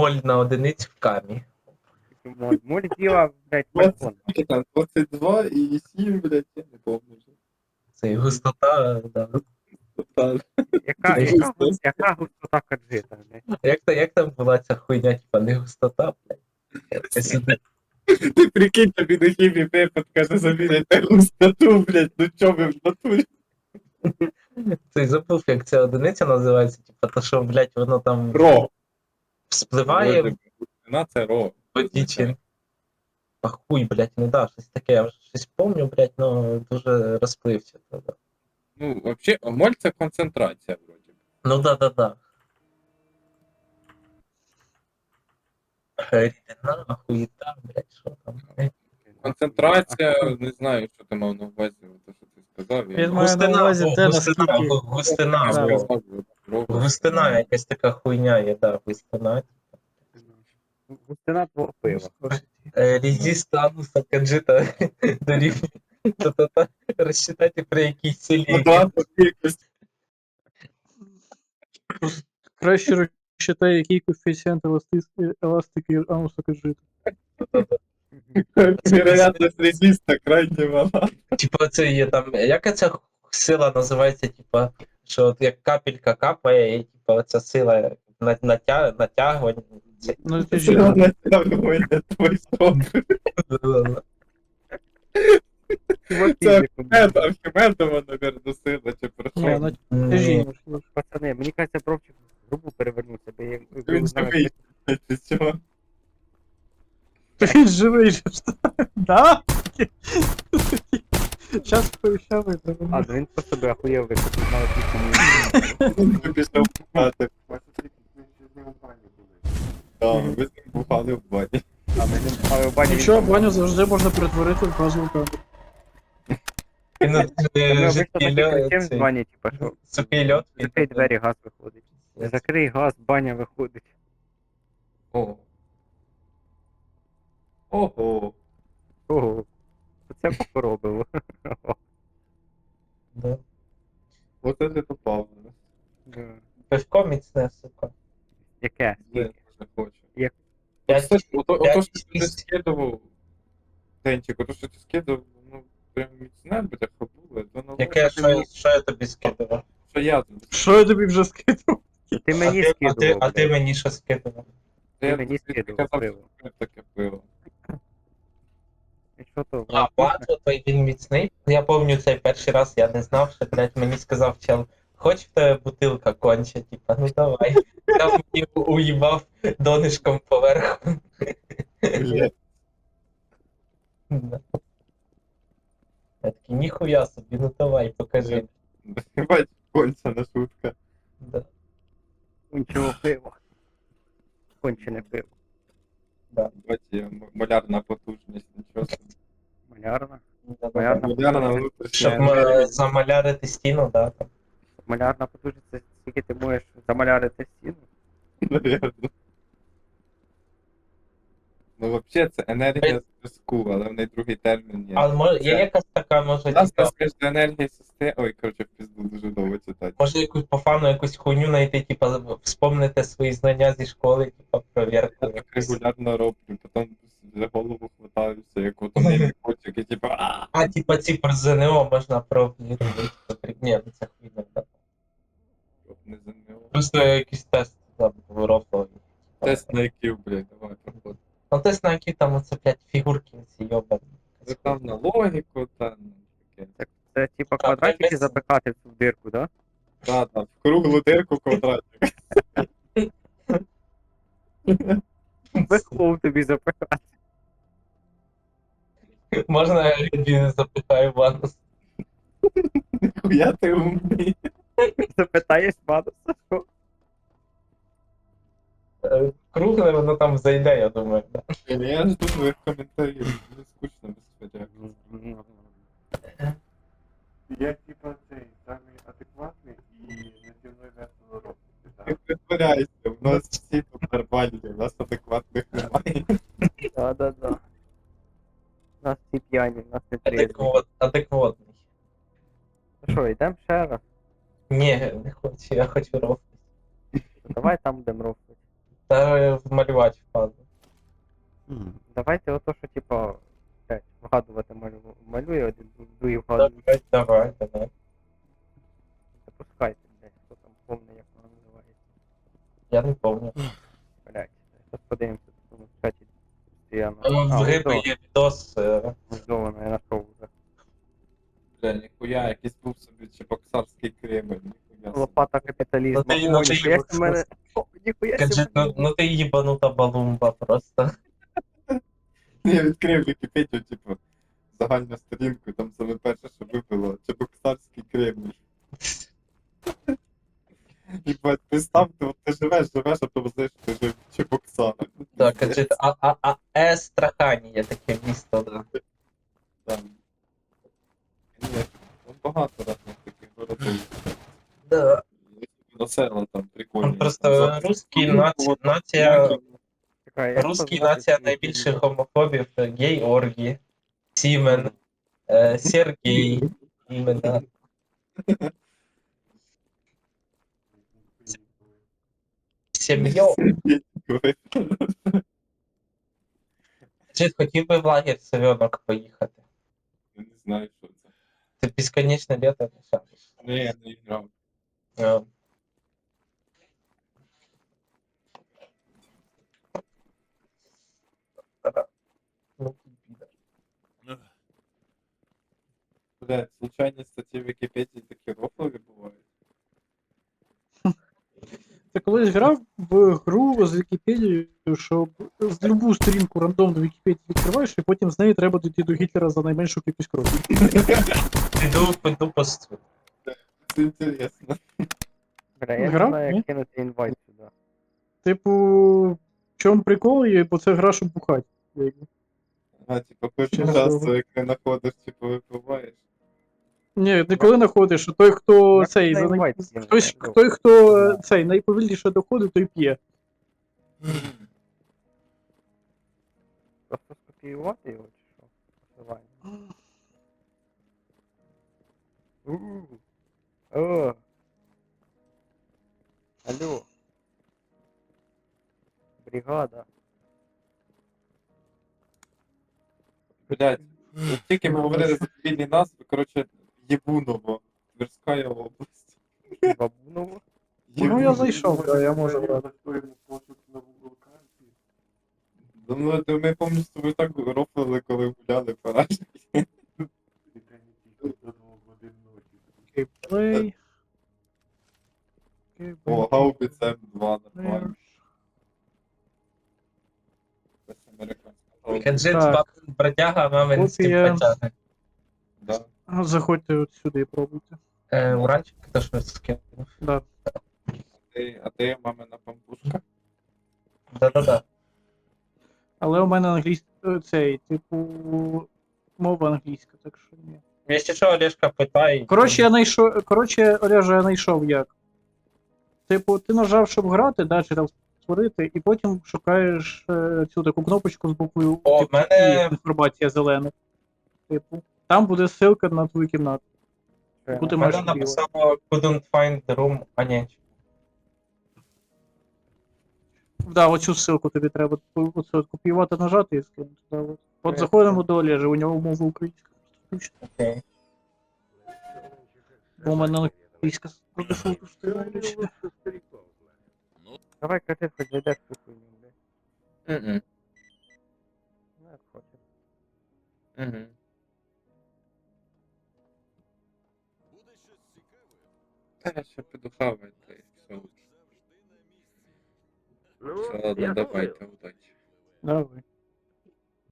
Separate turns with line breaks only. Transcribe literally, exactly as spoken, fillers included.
моль на одиницю в камі.
Моль, моль діла, блядь, балкон.
двадцять, там, двадцять два і сім, блядь, я не помню вже.
Це і густота, да.
Та,
Яка,
Ти
яка,
густота.
яка густота каджита, блядь?
Як, та- як там була ця хуйня, типа не густота, блядь. Якась одна-
Ти прикинь, тобі на хімі препод каже, заміряйте густоту, блядь, ну чо ви в натурі?
Ти забув, як ця одиниця називається, типа, то що, блядь, воно там
Ро.
вспливає в
Густина це ро.
воді чи... А хуй, блядь, ну да, щось таке, я вже щось помню, блядь, ну дуже розплився. Да.
Ну, вообще, моль це концентрація, вроді.
Ну да, да, да. Рідина, хуєта, блядь, що там.
Концентрація, не знаю, що ти мав на увазі, те, що ти сказав.
Він має на увазі
о,
те,
густина,
наскільки-
гу- густина,
Да.
о, густина, якась така хуйня є, да, густина.
Густина твого пива.
Е, Резист ануса каджита дорівнює. Та-та-та, розчитати при якій силі.
Квадратна кількість.
Краще розчитай, який коефіцієнт еласти- еластики ануса кажити.
Вероятність резиста крайне мала.
Типа це є там, яка ця сила називається, типа, що от як капелька капає, і типа ця сила на- натя- натягування. Це-
Ну, ти ж
Сила натягує твій стоп. Це Архімед, Архімедова, навірно, сила, чи про
Ні,
що?
на
М,
тяжіння, можливо.
Пацани, мені кажеться, Бровчик грубо перевернувся, бо я...
Він живий, чи що?
Він живий же ж. Да? Час повіщав
А,
витримав.
ну він просто би охуєв, якщо б мали пісню.
Він пішов бухати. Так, ви з ним бухали в бані.
А ми не мали в бані.
Нічого, баню завжди можна перетворити в газову камеру.
Він от,
Ми
е,
обично
жидкий
таки
льод,
кричим з
цей,
бані, типа, що
сухий льод. він
закрий
такий.
двері, газ виходить. Закрий газ, баня виходить.
Ого. Ого.
Ого. Це поробило.
Да.
Оце ти попав.
Да.
Пивко міцне, сука.
Яке?
Я
Скільки?
дуже хочу.
Як?
П'ять-
Ото, ото, ото,
п'ять-
що ти не скидував, Денчик, ото, що ти скидував, ну, прям міцне, бляха, було. То на
Яке, що, я- що я тобі скидував?
що я тут.
Що я тобі вже скинув?
Ти мені
а ти, а ти,
скидував.
а ти
блядь.
мені що скидував?
Та я
мені
тобі
скидував
казав,
пиво.
що це таке пиво.
І що то?
А, бачу, той він міцний. Я пам'ятаю цей перший раз, я не знав, що, блядь, мені сказав чел, хоч в тебе бутилка конче, типа, ну давай. Я мені уїбав донишком поверху.
Блядь.
Да. Я такий, ніхуя собі, ну давай, покажи.
Бать, кончена шутка.
Да,
Кончене пиво. Кончене пиво.
да,
Бать, є м- малярна потужність, нічого собі.
Малярна.
да, да.
Малярна
Малярна
потужність.
Щоб
внутрішня.
м- замалярити стіну, да, там.
Малярна потужність, це скільки ти можеш замалярити стіну.
Навірно. Ну, взагалі, це енергія зв'язку, але в неї другий термін є.
А може, є
Це-
якась така, може,
У нас
типа,
між енергії системи. Ой, коротше, в пізду дуже довго читати.
може якусь по фану якусь хуйню знайти, типа, вспомнити свої знання зі школи, типа, провірку.
Я так
якусь.
регулярно роблю, потім за голову хватаюся, як от вони котик, і типу, а
А, типа, ці про ЗНО можна провірити. Ні, ну це хуйня, так.
не ЗНО.
Просто якийсь тест там рофловий.
Тест на який, блядь, давай, проходь.
Ну тест на які там оце, блядь, фігурки ці йобані.
Це там на логіку, та ну, таке.
Це, це типа
А,
квадратики
ми-
запихати в цю дирку, да?
Та, та, в круглу дирку квадратик.
Вихлоп тобі запихати.
Можна я тобі запитаю Ванус?
Ніхуя ти умний.
Запитаєш Вануса, що?
Е, Кругле воно там зайде, я думаю. Да.
Я жду твоїх коментарів, мені скучно без хотя.
Я типа цей самий адекватний і наді мною весело робити,
Ти
так?
притворяйся, в нас всі тут нормальні, у нас адекватних немає.
Да, да, да. Нас всі п'яні, нас не трезві.
Адекват, адекватний.
Ну що, йдемо ще раз?
Ні, не хочу, я хочу рофлити.
Давай там будемо рофлити.
Та вмалювати фазу.
Давайте ото, що типа, блядь, вгадувати малю, малює один, другий вгадує.
Давай, давай, давай.
Запускайте, блядь, хто там повний, як воно називається.
Я не помню.
Блядь, зараз подивимося, тут у нас в чаті постійно.
В
А,
гриби
ось
є відос. е,
воно, я знайшов вже.
Бля, ніхуя, якийсь був собі чебоксарський Кремль, ніхуя. собі.
Лопата капіталізму.
Ну ти-
О,
ну ти
ніхуя
їб-
сі мене... О, ніхуя сі
Кажи, ну,
мене...
ну ти їбанута балумба просто.
Я відкрив Вікіпедію, типу, загальну сторінку, і там саме перше, що випило, чебоксарський Кремль. І бать, представ, ти, от ти живеш, живеш, а то знаєш, ти жив в Чебоксарах.
Так, кажи, а, а, а, Естрахані є таке місто, да.
Там. Ні, там багато разних таких городів.
Да.
На села там прикольні.
Он просто
Там
русський
за-
нація, нація,
Чекай, як
русський
позвати
нація
цю
найбільших
фігню?
гомофобів. Георгій, Сімен, е, Сергій, іменно. Сім'йо. Чи хотів би в лагерь Совенок поїхати?
Я не знаю, що це.
Це безконечне літо, не шариш.
Ні, я не грав.
Е, Ну, піде.
Блядь, случайні статті в Вікіпедії такі рофлові бувають.
Ти колись грав в гру з Вікіпедією, що з любу сторінку рандомну Вікіпедію відкриваєш, і потім з неї треба дійти до Гітлера за найменшу кількість кроків.
Піду, піду посту.
Це інтересно.
Бля, я не
Грав?
знаю,
Ні?
як кинути інвайт сюди.
Типу, в чому прикол є, бо це гра, щоб бухати. якби.
А, типу, кожен
Чого?
раз, як ти знаходиш, типу, випиваєш.
Ні, не коли знаходиш, а той, хто
Як
цей,
на
за най...
інвайт кинути,
хтось,
алло?
той, хто е, цей найповільніше доходить, той п'є.
Просто скопіювати його чи що? Посилання. У-у. О. Алло. Бригада.
Блядь, от тільки ми говорили за цивільні назви, коротше, Єбуново, Тверська область.
Бабуново.
Ну, я зайшов, да, я можу брати.
Настроїмо пошук на Google карті.
Да, ну, то ми пам'ятаю, з тобою так рофлили, коли гуляли по Рашці.
І та не тільки до двох годин ночі.
Геймплей.
О, Гаубіц М два, нормально. Це американська.
Каджит
Так.
бродяга, мамин
Копія.
стимпатяги.
Да.
А, заходьте от сюди і пробуйте.
Е, Уранчик, то що скинув.
Да.
Ти, а ти мамина пампушка?
Да-да-да.
Але у мене англійський цей, типу, мова англійська, так що ні.
Якщо що, Олешка питає.
Коротше, я знайшов. Коротше, Олеже, я знайшов як. Типу, ти нажав, щоб грати, да, чи там створити, і потім шукаєш е, цю таку кнопочку з буквою
О,
типу,
в мене-
і інформація зелена. Типу, там буде ссылка на твою кімнату.
Що я
Куди
на-
Мене
маєш
написало couldn't find the room, а ні.
Да, оцю ссылку тобі треба оце от копіювати, нажати і скинути. Да, от. От
Е,
заходимо до Олежа, у нього мова українська. Включно.
Окей.
Бо у мене англійська по дефолту стоїть.
Давай, кажи, хоч зайдеш в цю хуйню, блядь.
Мгм.
Ну, як хочеш.
Мгм. Та я ще піду хавати, та й все лучше. Все, ладно, давайте, удачі.
Давай.